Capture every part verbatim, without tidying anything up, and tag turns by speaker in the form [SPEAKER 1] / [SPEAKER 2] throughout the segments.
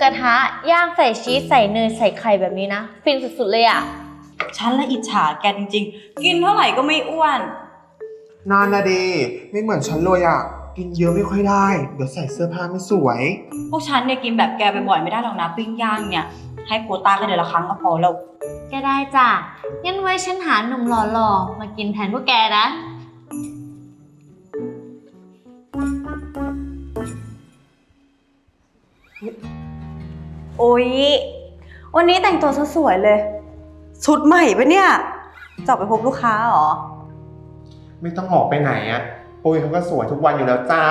[SPEAKER 1] ระทะย่างใส่ชีสใส่เนยใส่ไข่แบบนี้นะฟินสุดๆเลยอ่ะ
[SPEAKER 2] ฉันละอิจฉาแกจริงๆกินเท่าไหร่ก็ไม่อ้วน
[SPEAKER 3] นานนะดีไม่เหมือนฉันเลยอ่ะกินเยอะไม่ค่อยได้เดี๋ยวใส่เสื้อผ้าไม่สวย
[SPEAKER 2] พวกฉันเนี่ยกินแบบแกบ่อยๆไม่ได้หรอกนะปิ้งย่างเนี่ยให้โควต้ากันเดือนละครั้งก็พอแล้ว
[SPEAKER 1] ก็ได้จ้ะงั้นไว้ฉันหาหนุ่มหล่อๆมากินแทนพวกแกนะ
[SPEAKER 2] โอ๊ยวันนี้แต่งตัวสวยๆเลยชุดใหม่ปะเนี่ยจะออกไปพบลูกค้าเหรอ
[SPEAKER 3] ไม่ต้องออกไปไหนอ่ะปุ้ยเขาก็สวยทุกวันอยู่แล้วจ้า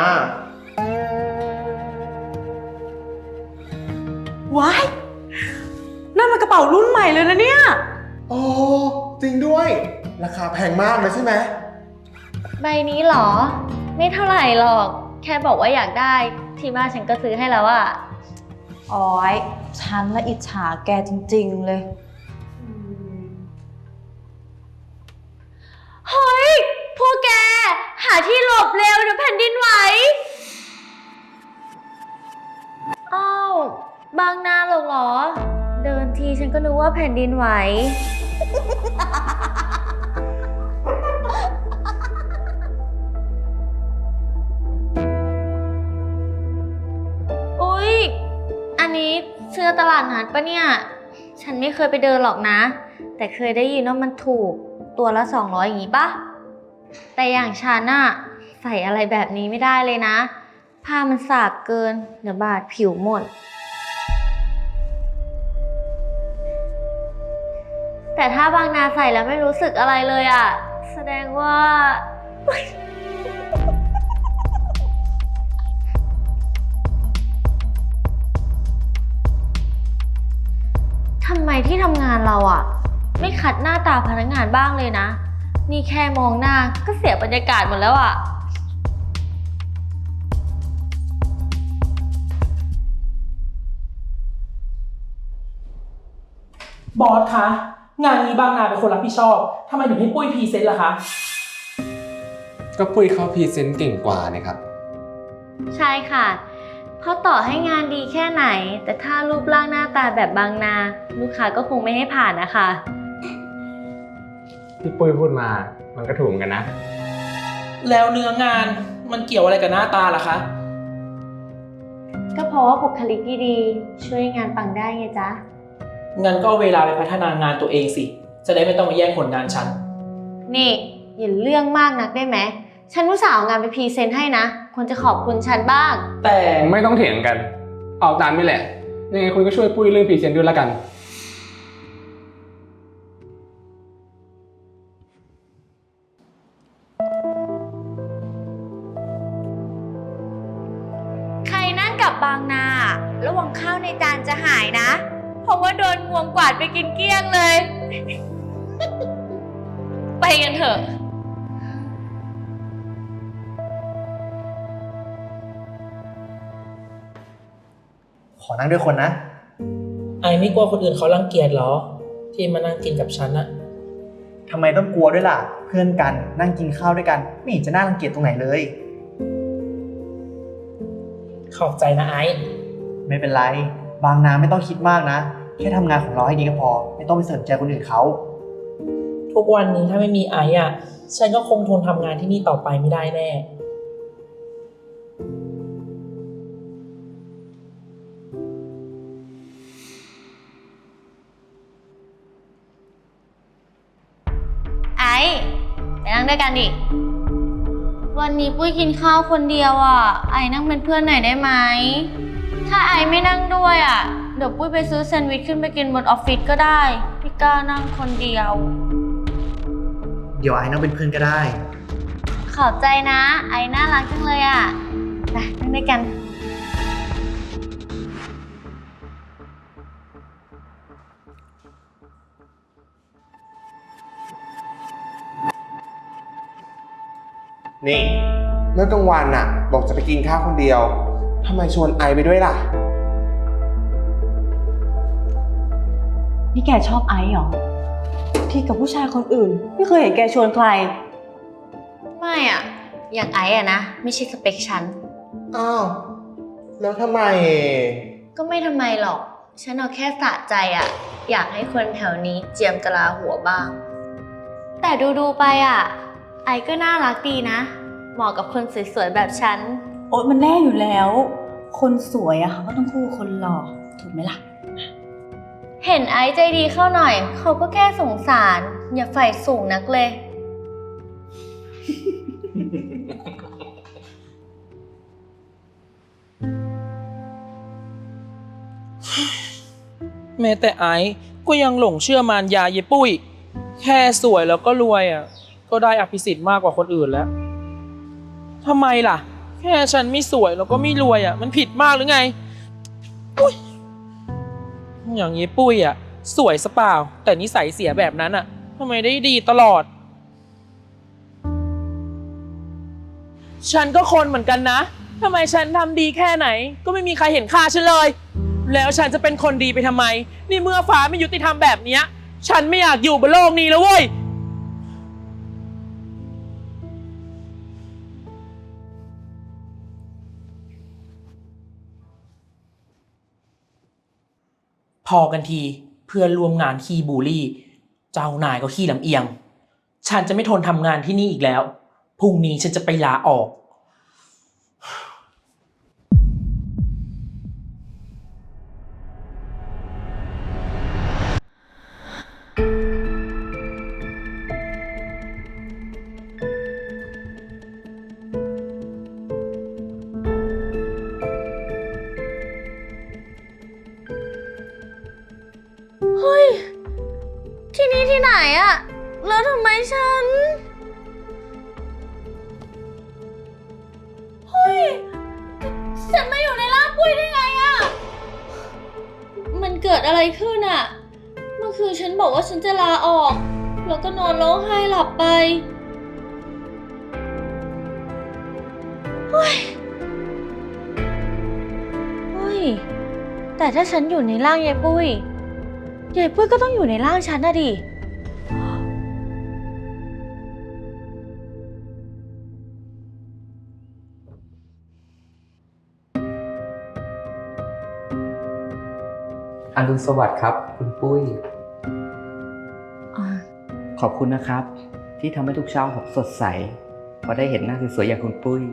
[SPEAKER 2] ว้ายนั่นมันกระเป๋ารุ่นใหม่เลยนะเนี่ย
[SPEAKER 3] โอ้จริงด้วยราคาแพงมากเลยใช่ไหม
[SPEAKER 1] ใบนี้เหรอไม่เท่าไหร่หรอกแค่บอกว่าอยากได้ที่บ้านฉันก็ซื้อให้แล้วอะ
[SPEAKER 2] อ๋อยฉันละอิจฉาแกจริงๆเลย
[SPEAKER 1] เฮ้ยพวกแกหาที่หลบเร็วเดี๋ยวแผ่นดินไหวอ้าวบางนาหรอกเหรอเดินทีฉันก็นึกว่าแผ่นดินไหวอุ๊ยอันนี้เสื้อตลาดนัดปะเนี่ยฉันไม่เคยไปเดินหรอกนะแต่เคยได้ยินว่ามันถูกตัวละสองร้อยอย่างงี้ปะแต่อย่างฉันอะใส่อะไรแบบนี้ไม่ได้เลยนะผ้ามันสากเกินเดี๋ยวบาดผิวหมดแต่ถ้าบางนาใส่แล้วไม่รู้สึกอะไรเลยอะแสดงว่าทำไมที่ทำงานเราอะไม่คัดหน้าตาพนักงานบ้างเลยนะนี่แค่มองหน้าก็เสียบรรยากาศหมดแล้วอะ
[SPEAKER 4] บอสคะงานนี้บางนาเป็นคนรับผิดชอบทำไมถึงให้ปุ้ยพรีเซนต์ล่ะคะ
[SPEAKER 5] ก็ปุ้ยเขาพรีเซนต์เก่งกว่านะครับ
[SPEAKER 1] ใช่ค่ะเพราะต่อให้งานดีแค่ไหนแต่ถ้ารูปร่างหน้าตาแบบบางนาลูกค้าก็คงไม่ให้ผ่านนะคะ
[SPEAKER 5] ที่ปุ้ยพูดมามันก็ถูกเหมือนกันนะ
[SPEAKER 4] แล้วเนื้องานมันเกี่ยวอะไรกับหน้าตาล่ะคะ
[SPEAKER 1] ก็เพราะว่าบุคลิกดีๆช่วยงานปังได้ไงจ๊ะ
[SPEAKER 4] งั้นก็เอาเวลาไปพัฒนางานตัวเองสิจะได้ไม่ต้องมาแย่งผลงานฉัน
[SPEAKER 1] นี่อย่าเรื่องมากนักได้ไหมฉันอุตส่าห์เอางานไปพรีเซนต์ให้นะควรจะขอบคุณฉันบ้าง
[SPEAKER 4] แต่
[SPEAKER 5] ไม่ต้องเถียงกันเอาตามนี่แหละยังไงคุณก็ช่วยปุ้ยเรื่องพรีเซนต์ด้วยละกัน
[SPEAKER 1] ใครนั่งกับบางนาระวังข้าวในจานจะหายนะเพราะว่าโดนงวงกวาดไปกินเกลี้ยงเลย ไปกันเถอะ
[SPEAKER 6] ขอนั่งด้วยคนนะ
[SPEAKER 4] ไอไม่กลัวคนอื่นเขารังเกียจเหรอที่มานั่งกินกับฉันอะ
[SPEAKER 6] ทำไมต้องกลัวด้วยล่ะเพื่อนกันนั่งกินข้าวด้วยกันไม่เห็นจะน่ารังเกียจตรงไหนเลย
[SPEAKER 4] ขอบใจนะไอ
[SPEAKER 6] ไม่เป็นไรบางนาไม่ต้องคิดมากนะแค่ทำงานของเราให้ดีก็พอไม่ต้องไปสนใจคนอื่นเขา
[SPEAKER 4] ทุกวันนี้ถ้าไม่มีไออะฉันก็คงทนทำงานที่นี่ต่อไปไม่ได้แน่
[SPEAKER 1] ไอ้ไปนั่งด้วยกันดิวันนี้ปุ้ยกินข้าวคนเดียวอ่ะไอ้นั่งเป็นเพื่อนหน่อยได้ไหมถ้าไอ้ไม่นั่งด้วยอ่ะเดี๋ยวปุ้ยไปซื้อแซนด์วิชขึ้นไปกินบนออฟฟิศก็ได้ไม่กล้านั่งคนเดียว
[SPEAKER 6] เดี๋ยวไอ้นั่งเป็นเพื่อนก็ได้
[SPEAKER 1] ขอบใจนะไอ้น่ารักจังเลยอ่ะไปนั่งด้วยกัน
[SPEAKER 3] นี่เมื่อกลางวันน่ะบอกจะไปกินข้าวคนเดียวทำไมชวนไอไปด้วยล่ะ
[SPEAKER 2] นี่แกชอบไอซ์เหรอที่กับผู้ชายคนอื่นไม่เคยเห็นแกชวนใคร
[SPEAKER 1] ไม่อ่ะอย่างไอ้อ่ะนะไม่ใช่สเปคฉัน
[SPEAKER 3] อ้าวแล้วทำไม
[SPEAKER 1] ก็ไม่ทำไมหรอก ฉันเอาแค่สะใจอะอยากให้คนแถวนี้เจียมกะลาหัวบ้าง แต่ดูๆไปอะไอก็น่ารักดีนะ เหมาะกับคนสวยๆแบบฉัน
[SPEAKER 2] โอ๊ยมันแน่อยู่แล้ว คนสวยอะเขาก็ต้องคู่คนหล่อถูกไหมล่ะ
[SPEAKER 1] เห็นไอซ์ใจดีเข้าหน่อย เขาก็แค่สงสาร อย่าใฝ่สูงนักเลย
[SPEAKER 4] แม้แต่ไอซ์ก็ยังหลงเชื่อมารยาเยปุ้ย แค่สวยแล้วก็รวยอ่ะ ก็ได้อภิสิทธิ์มากกว่าคนอื่นแล้วทำไมล่ะ แค่ฉันไม่สวยแล้วก็ไม่รวยอ่ะ มันผิดมากหรือไงอุ๊ยอย่างเยปุ้ยอ่ะ สวยสเปล่า แต่นิสัยเสียแบบนั้นอ่ะทำไมได้ดีตลอด ฉันก็คนเหมือนกันนะทำไมฉันทำดีแค่ไหน ก็ไม่มีใครเห็นค่าฉันเลย แล้วฉันจะเป็นคนดีไปทำไม นี่เมื่อฟ้าไม่ยุติธรรมแบบเนี้ย ฉันไม่อยากอยู่บนโลกนี้แล้วเว้ย พอกันทีเพื่อนร่วมงานขี้บูลลี่ เจ้านายก็ขี้ลำเอียง ฉันจะไม่ทนทำงานที่นี่อีกแล้ว พรุ่งนี้ฉันจะไปลาออก
[SPEAKER 1] เฮ้ย ที่นี่ที่ไหนอะแล้วทำไมฉัน เฮ้ย ฉันมาอยู่ในร่างปุ้ยได้ไงอะมันเกิดอะไรขึ้นอะเมื่อคืนฉันบอกว่าฉันจะลาออก แล้วก็นอนร้องไห้หลับไปเฮ้ยเฮ้ย แต่ถ้าฉันอยู่ในร่างยายปุ้ยยายปุ้ยก็ต้องอยู่ในร่างฉันนะดิ
[SPEAKER 7] อรุณสวัสดิ์ครับ คุณปุ้ย ขอบคุณนะครับ ที่ทำให้ทุกเช้าผมสดใสพอได้เห็นหน้าสวยๆอย่างคุณปุ้ย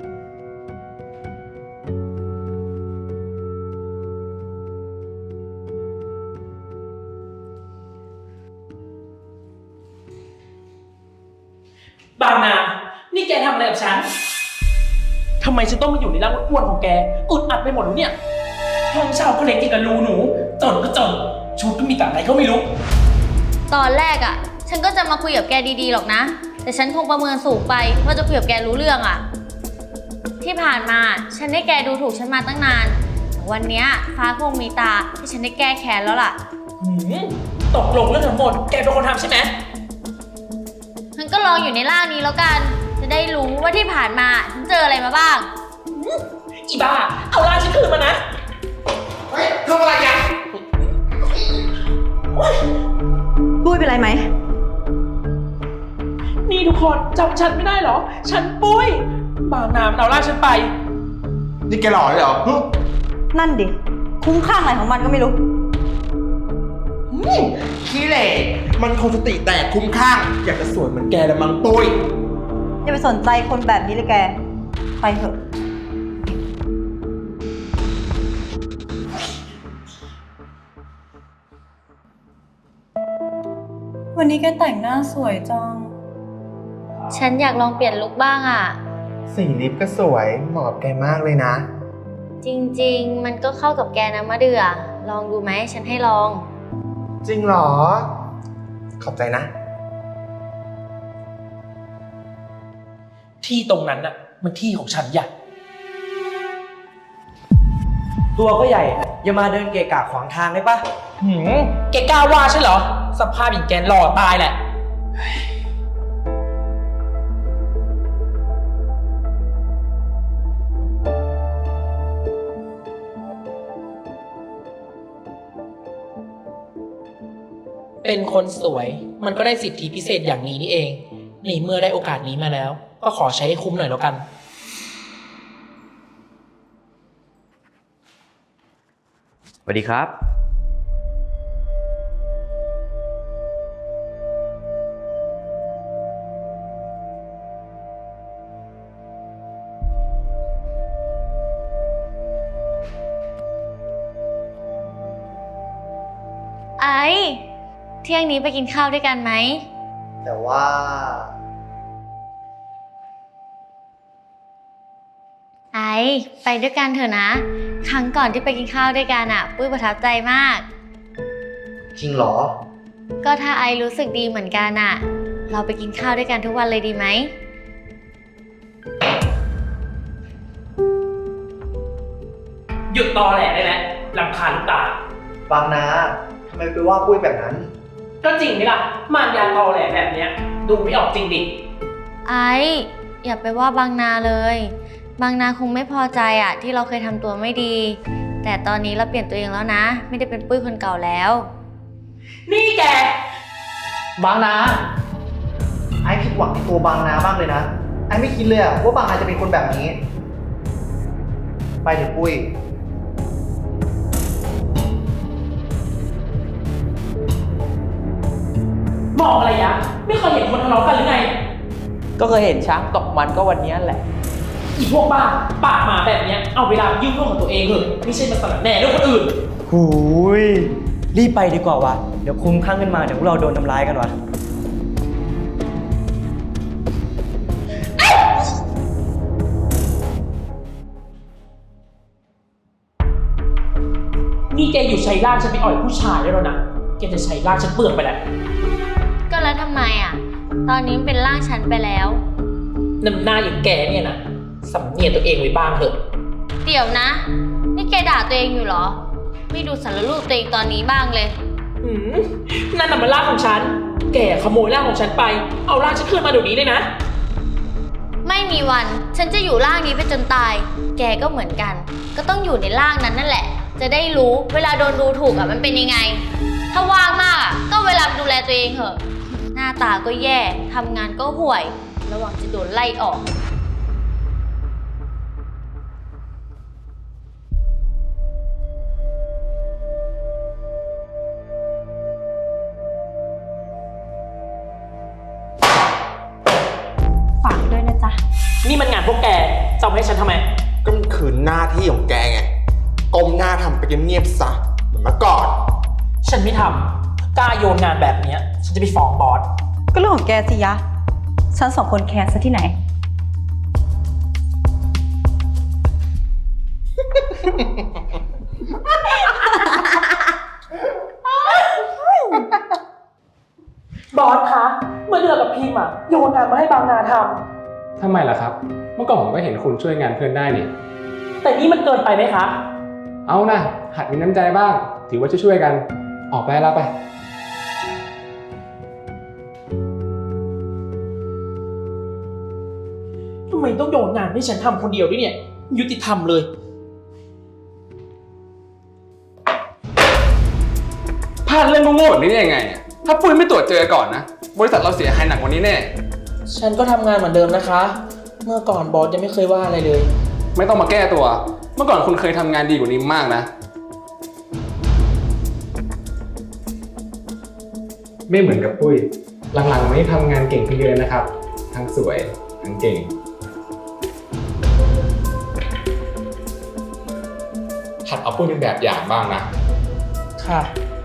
[SPEAKER 4] บางนา นี่แกทำอะไรกับฉัน ทำไมฉันต้องมาอยู่ในร่างอ้วนๆของแกอึดอัดไปหมดแล้วเนี่ย ห้องเช่าก็เล็กอย่างกับรูหนู จนก็จน ชุดก็มีแต่อะไรก็ไม่รู้
[SPEAKER 1] ตอนแรกอะฉันก็จะมาคุยกับแกดีๆหรอกนะ แต่ฉันคงประเมินสูงไปว่าจะคุยกับแกรู้เรื่องอะที่ผ่านมาฉันได้แกดูถูกฉันมาตั้งนานแต่วันเนี้ยฟ้าคงมีตาที่ฉันได้แก้แค้นแล้วล่ะ
[SPEAKER 4] หืมตกลงเรื่องทั้งหมด แกเป็นคนทำใช่ไหม
[SPEAKER 1] ฉันก็ลองอยู่ในร่างนี้แล้วกัน จะได้รู้ว่าที่ผ่านมาฉันเจออะไรมาบ้าง
[SPEAKER 4] อีบ้า เอาล่างฉันคืนมานะ
[SPEAKER 3] เฮ้ยทำอะไรกัน
[SPEAKER 2] ปุ้ยเป็นไรไหม
[SPEAKER 4] นี่ทุกคนจำฉันไม่ได้เหรอ ฉันปุ้ย บางนามันเอาล่างฉันไป
[SPEAKER 3] นี่แกหล่อเลยเหรอฮึ
[SPEAKER 2] นั่นดิ คุ้มข้างอะไรของมันก็ไม่รู้
[SPEAKER 3] อืมขี้เหร่มันคงสติแตกคุ้มข้าง อยากจะสวยเหมือนแกละมั้งปุ้ย
[SPEAKER 2] อย่าไปสนใจคนแบบนี้เลยแก ไปเถอะ วันนี้แกแต่งหน้าสวยจัง
[SPEAKER 1] ฉันอยากลองเปลี่ยนลุคบ้างอะ
[SPEAKER 3] สีลิปก็สวยเหมาะกับแกมากเลยนะ
[SPEAKER 1] จริงๆ มันก็เข้ากับแกนะมะเดือลองดูไหมฉันให้ลอง
[SPEAKER 3] จริงเหรอ ขอบใจนะ
[SPEAKER 4] ที่ตรงนั้นน่ะ มันที่ของฉันอย่า
[SPEAKER 6] ตัวก็ใหญ่ อย่ามาเดินเกะกะขวางทางได้ปะ
[SPEAKER 4] หืมแกกล้าว่าใช่เหรอ สภาพอย่างแกหล่อตายแหละ เป็นคนสวยมันก็ได้สิทธิพิเศษอย่างนี้นี่เองในเมื่อได้โอกาสนี้มาแล้ว ก็ขอใช้ให้คุ้มหน่อยแล้วกัน
[SPEAKER 7] วัสดีครับ
[SPEAKER 1] ไอซ์เที่ยงนี้ไปกินข้าวด้วยกันไหม
[SPEAKER 6] แต่ว่า
[SPEAKER 1] ไอซ์ไปด้วยกันเถอะนะ ครั้งก่อนที่ไปกินข้าวด้วยกันอะปุ้ยประทับใจมาก
[SPEAKER 6] จริงเหรอ
[SPEAKER 1] ก็ถ้าไอซ์รู้สึกดีเหมือนกันอะเราไปกินข้าวด้วยกันทุกวันเลยดีไหม
[SPEAKER 4] หยุดตอแหลได้แล้วรำคาญลูกตา
[SPEAKER 6] บางนาทำไมไปว่าปุ้ยแบบนั้น
[SPEAKER 4] ก็จริงไหมล่ะมารยาตอแหลแบบเนี้ย ดูไม่ออกจริงดิ
[SPEAKER 1] ไอซ์อย่าไปว่าบางนาเลย บางนาคงไม่พอใจอะที่เราเคยทำตัวไม่ดี แต่ตอนนี้เราเปลี่ยนตัวเองแล้วนะ ไม่ได้เป็นปุ้ยคนเก่าแล้ว
[SPEAKER 4] นี่แก
[SPEAKER 6] บางนา ไอ้ผิดหวังในตัวบางนามากเลยนะ ไอ้ไม่คิดเลยอะว่าบางนาจะเป็นคนแบบนี้ ไปเถอะปุ้ย
[SPEAKER 4] มองอะไรยะ ไม่เคยเห็นคนทะเลาะกันหรือไง
[SPEAKER 8] ก็เคยเห็นช้างตกมันก็วันนี้แหละ
[SPEAKER 4] อีพวกบ้าปากหมาแบบเนี้ยเอาเวลายุ่งเรื่องของตัวเองเถอะไม่ใช่มาสลัดแหน่เรื่องคนอื่น
[SPEAKER 8] หูย รีบไปดีกว่าวะ เดี๋ยวคุ้มข้างขึ้นมาเดี๋ยวพวกเราโดนทำร้ายกันวะ
[SPEAKER 4] นี่แกอยู่ใช้ร่างฉันไปอ่อยผู้ชายได้แล้วนะ แกจะใช้ร่างฉันเปลือกไปแล้ว
[SPEAKER 1] ก็แล้วทำไมอะตอนนี้มันเป็นร่างฉันไปแล้ว
[SPEAKER 4] น้ำหน้าอย่างแกเนี่ยนะสำเนียกตัวเองไว้บ้างเถอะ
[SPEAKER 1] เดี๋ยวนะ นี่แกด่าตัวเองอยู่เหรอ ไม่ดูสารรูปตัวเองตอนนี้บ้างเลย
[SPEAKER 4] อืมนั่นน่ะมันร่างของฉัน แกขโมยร่างของฉันไป เอาร่างฉันคืนมาเดี๋ยวนี้เลยนะ
[SPEAKER 1] ไม่มีวัน ฉันจะอยู่ร่างนี้ไปจนตาย แกก็เหมือนกัน ก็ต้องอยู่ในร่างนั้นนั่นแหละ จะได้รู้เวลาโดนดูถูกอะมันเป็นยังไง ถ้าว่างมากอะก็เวลาดูแลตัวเองเถอะ หน้าตาก็แย่ ทำงานก็ห่วย ระหว่างจะโดนไล่ออก
[SPEAKER 2] ฝากด้วยนะจ๊ะ
[SPEAKER 4] นี่มันงานพวกแกจะเอาให้ฉันทำไม
[SPEAKER 3] ก็มันคือหน้าที่ของแกไงก้มหน้าทำไปเงียบๆซะเหมือนเมื่อก่อน
[SPEAKER 4] ฉันไม่ทำกล้าโยนงานแบบเนี้ย ฉันจะไปฟ้องบอส
[SPEAKER 2] ก็เรื่องของแกสิยะ ฉันสองคนแคร์ซะที่ไหน
[SPEAKER 4] บอสคะ เมื่อเดือนกับพิมพ์อะโยนงานมาให้บางนาท
[SPEAKER 5] ทำไมล่ะครับ เมื่อก่อนผมก็เห็นคุณช่วยงานเพื่อนได้นี่
[SPEAKER 4] ำแต่นี่มันเกินไปไหมคะ
[SPEAKER 5] เอานะหัดมีน้ำใจบ้าง ถือว่าช่วยๆกัน ออกไปแล้วไป
[SPEAKER 4] ทำไมต้องโยนงานให้ฉันทำคนเดียวด้วยเนี่ย ยุติธรรมเลย
[SPEAKER 5] พลาดเรื่องโง่ๆแบบนี้ได้ยังไงอะถ้าปุ้ยไม่ตรวจเจอก่อนนะ บริษัทเราเสียหายหนักกว่านี้แน่
[SPEAKER 4] ฉันก็ทำงานเหมือนเดิมนะคะ เมื่อก่อนบอสยังไม่เคยว่าอะไรเลย
[SPEAKER 5] ไม่ต้องมาแก้ตัว เมื่อก่อนคุณเคยทำงานดีกว่านี้มากนะ ไม่เหมือนกับปุ้ย หลังๆไม่ทำงานเก่งขึ้นเยอะนะครับ ทั้งสวย ทั้งเก่ง หัดเอาปุ้ยเป็นแบบอย่างบ้างนะ
[SPEAKER 4] ค่ะ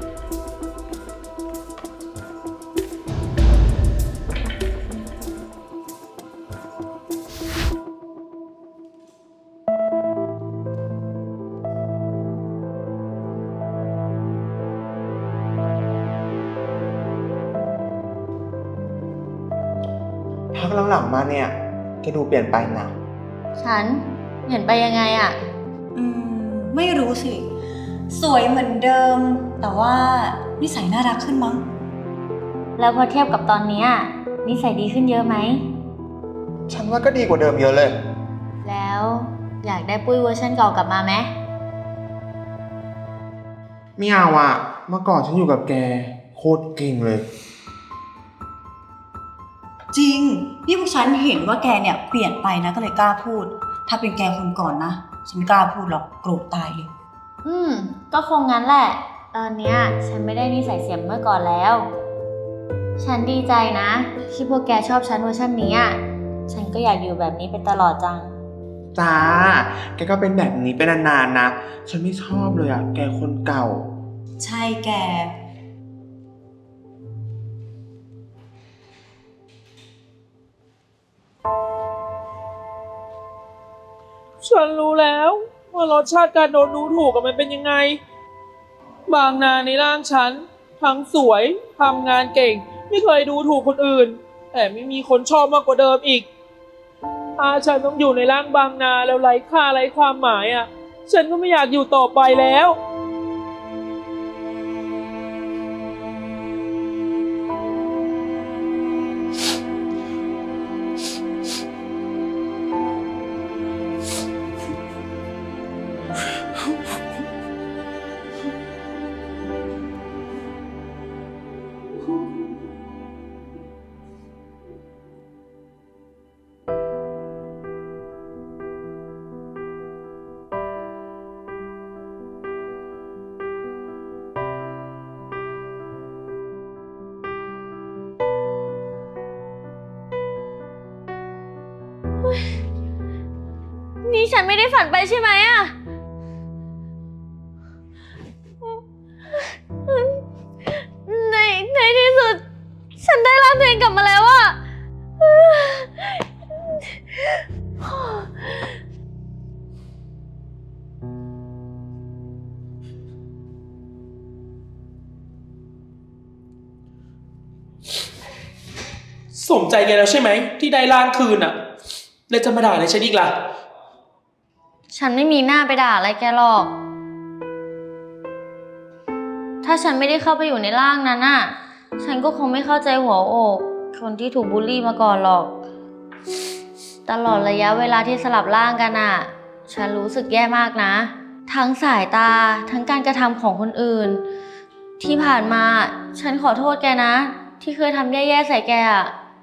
[SPEAKER 3] พักหลังๆมาเนี่ยแกดูเปลี่ยนไปนะ
[SPEAKER 1] ฉันเห็นไปยังไงอะ
[SPEAKER 2] อืม ไม่รู้สิ สวยเหมือนเดิม แต่ว่านิสัยน่ารักขึ้นมั้ง
[SPEAKER 1] แล้วพอเทียบกับตอนเนี้ยนิสัยดีขึ้นเยอะไหม
[SPEAKER 3] ฉันว่าก็ดีกว่าเดิมเยอะเลย
[SPEAKER 1] แล้วอยากได้ปุ้ยเวอร์ชันเก่ากลับมาไหม
[SPEAKER 3] ไม่เอาอะเมื่อก่อนฉันอยู่กับแกโคตรเก่งเลย
[SPEAKER 2] จริง นี่พวกฉันเห็นว่าแกเนี่ยเปลี่ยนไปนะก็เลยกล้าพูด ถ้าเป็นแกคนก่อนนะ ฉันไม่กล้าพูดหรอกโกรธตายเลย
[SPEAKER 1] อืม ก็คงงั้นแหละ ตอนเนี้ยฉันไม่ได้นิสัยเสียเมื่อก่อนแล้ว ฉันดีใจนะ ที่พวกแกชอบฉันเวอร์ชันนี้อ่ะ ฉันก็อยากอยู่แบบนี้ไปตลอดจัง
[SPEAKER 3] จ้า แกก็เป็นแบบนี้เป็นนานๆนะ ฉันไม่ชอบเลยอะแกคนเก่า
[SPEAKER 2] ใช่แก
[SPEAKER 4] ฉันรู้แล้วว่ารสชาติการโดนดูถูกกับมันเป็นยังไง บางนาในร่างฉัน ทั้งสวยทำงานเก่ง ไม่เคยดูถูกคนอื่น แต่ไม่มีคนชอบมากกว่าเดิมอีกถ้าฉันต้องอยู่ในร่างบางนาแล้วไร้ค่าไร้ความหมายอ่ะ ฉันก็ไม่อยากอยู่ต่อไปแล้ว
[SPEAKER 1] นี่ฉันไม่ได้ฝันไปใช่ไหมอะในในที่สุด ฉันได้ร่างตัวเองกลับมาแล้วอะ
[SPEAKER 4] สมใจแกแล้วใช่ไหมที่ได้ร่างคืนอ่ะ แล้วจะมาด่าอะไรฉันอีกล่ะ
[SPEAKER 1] ฉันไม่มีหน้าไปด่าอะไรแกหรอก ถ้าฉันไม่ได้เข้าไปอยู่ในร่างนั้นน่ะ ฉันก็คงไม่เข้าใจหัวอกคนที่ถูกบูลลี่มาก่อนหรอก ตลอดระยะเวลาที่สลับร่างกันน่ะ ฉันรู้สึกแย่มากนะ ทั้งสายตา ทั้งการกระทำของคนอื่น ที่ผ่านมา ฉันขอโทษแกนะ ที่เคยทำแย่ๆใส่แกอะ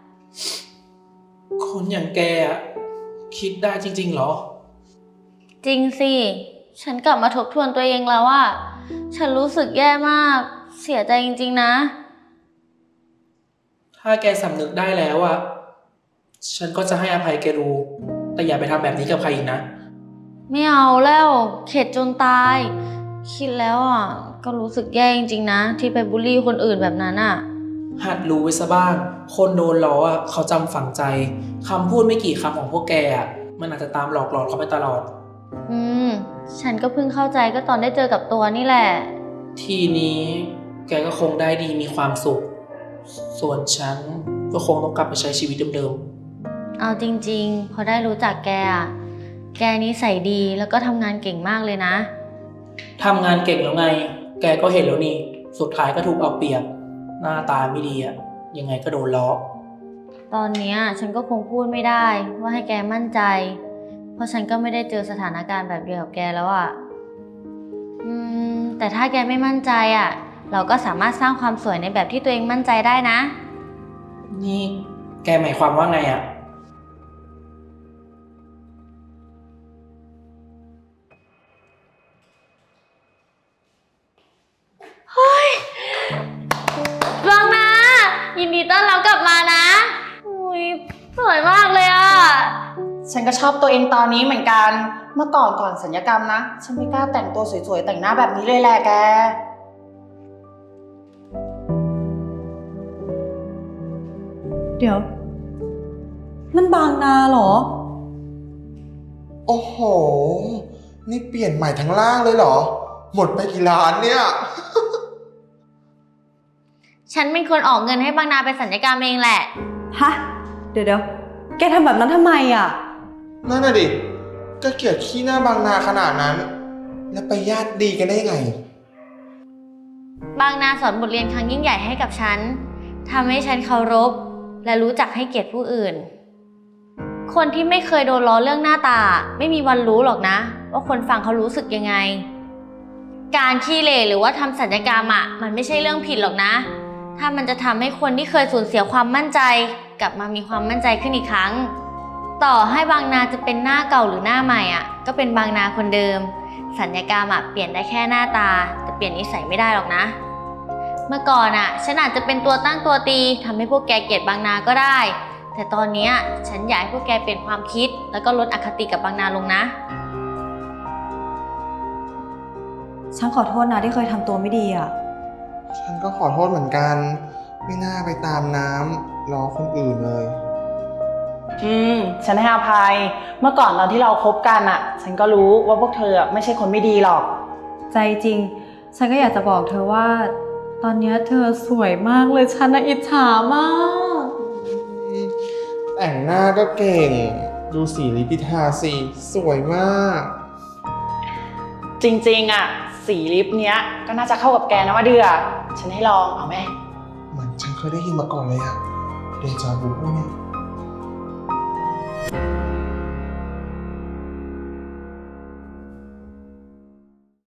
[SPEAKER 4] คนอย่างแกอะคิดได้จริงๆเหรอ
[SPEAKER 1] จริงสิ ฉันกลับมาทบทวนตัวเองแล้วว่า ฉันรู้สึกแย่มาก เสียใจจริงๆนะ
[SPEAKER 4] ถ้าแกสำนึกได้แล้วอะฉันก็จะให้อภัยแกดู แต่อย่าไปทำแบบนี้กับใครอีกนะ
[SPEAKER 1] ไม่เอาแล้ว เข็ดจนตาย คิดแล้วอ่ะ ก็รู้สึกแย่จริงๆนะ ที่ไปบูลลี่คนอื่นแบบนั้นอ่ะ
[SPEAKER 4] หัดรู้ไว้ซะบ้าง คนโดนล้ออะเขาจำฝังใจ คำพูดไม่กี่คำของพวกแกอะมันอาจจะตามหลอกหลอนเขาไปตลอด
[SPEAKER 1] อืม ฉันก็เพิ่งเข้าใจก็ตอนได้เจอกับตัวนี่แหละ
[SPEAKER 4] ทีนี้แกก็คงได้ดีมีความสุข ส่วนฉันก็คงต้องกลับไปใช้ชีวิตเดิม
[SPEAKER 1] เอาจริงๆ พอได้รู้จักแกอ่ะ แกนิสัยดีแล้วก็ทำงานเก่งมากเลยนะ
[SPEAKER 4] ๆทำงานเก่งแล้วไง แกก็เห็นแล้วนี่ สุดท้ายก็ถูกเอาเปรียบ หน้าตาไม่ดีอะยังไงก็โดนล้อ
[SPEAKER 1] ตอนเนี้ยฉันก็คงพูดไม่ได้ว่าให้แกมั่นใจ เพราะฉันก็ไม่ได้เจอสถานการณ์แบบเดียวกับแกแล้วอ่ะ อืม แต่ถ้าแกไม่มั่นใจอ่ะ เราก็สามารถสร้างความสวยในแบบที่ตัวเองมั่นใจได้นะ
[SPEAKER 4] นี่แกหมายความว่าไงอะ
[SPEAKER 1] บางนายินดีต้อนรับกลับมานะอุ้ยสวยมากเลยอ่ะ
[SPEAKER 2] ฉันก็ชอบตัวเองตอนนี้เหมือนกัน เมื่อก่อนก่อนสัญญกรรมนะ ฉันไม่กล้าแต่งตัวสวยๆแต่งหน้าแบบนี้เลยแหละแก เดี๋ยว นั่นบางนาเหรอ
[SPEAKER 3] โอ้โห นี่เปลี่ยนใหม่ทั้งล่างเลยเหรอ หมดไปกี่ล้านเนี่ย
[SPEAKER 1] ฉันเป็นคนออกเงินให้บางนาไปสัญญกรรมเองแหละ
[SPEAKER 2] ฮะ เดี๋ยวเดี๋ยวแกทำแบบนั้นทำไมอ่ะ
[SPEAKER 3] นั่นน่ะดิ ก็เกลียดขี้หน้าบางนาขนาดนั้น แล้วไปญาติดีกันได้ยังไง
[SPEAKER 1] บางนาสอนบทเรียนครั้งยิ่งใหญ่ให้กับฉันทำให้ฉันเคารพและรู้จักให้เกียรติผู้อื่น คนที่ไม่เคยโดนล้อเรื่องหน้าตาไม่มีวันรู้หรอกนะ ว่าคนฟังเขารู้สึกยังไง การขี้เหร่หรือว่าทำศัลยกรรมอ่ะมันไม่ใช่เรื่องผิดหรอกนะ ถ้ามันจะทำให้คนที่เคยสูญเสียความมั่นใจกลับมามีความมั่นใจขึ้นอีกครั้ง ต่อให้บางนาจะเป็นหน้าเก่าหรือหน้าใหม่อ่ะก็เป็นบางนาคนเดิมสัญญกรรมอะเปลี่ยนได้แค่หน้าตา แต่เปลี่ยนนิสัยไม่ได้หรอกนะ เมื่อก่อนอะฉันอาจจะเป็นตัวตั้งตัวตีทำให้พวกแกเกลียดบางนาก็ได้ แต่ตอนเนี้ยฉันอยากให้พวกแกเปลี่ยนความคิด แล้วก็ลดอคติกับบางนาลงนะ
[SPEAKER 2] ฉันขอโทษนะที่เคยทำตัวไม่ดีอ่ะ
[SPEAKER 3] ฉันก็ขอโทษเหมือนกัน ไม่น่าไปตามน้ำล้อคนอื่นเลย
[SPEAKER 9] อืม ฉันให้อภัย เมื่อก่อนตอนที่เราคบกันอะฉันก็รู้ว่าพวกเธออะไม่ใช่คนไม่ดีหรอก
[SPEAKER 2] ใจจริง ฉันก็อยากจะบอกเธอว่า ตอนเนี้ยเธอสวยมากเลยฉันน่ะอิจฉามาก
[SPEAKER 3] แต่งหน้าก็เก่ง ดูสีลิปิทาสีสวยมาก
[SPEAKER 9] จริงๆอะสีลิปเนี้ยก็น่าจะเข้ากับแกนะว่าเดือฉันให้ลองเอาไหม
[SPEAKER 3] เหมือนฉันเคยได้ยินมาก่อนเลยอะเดจาวูเนี่ย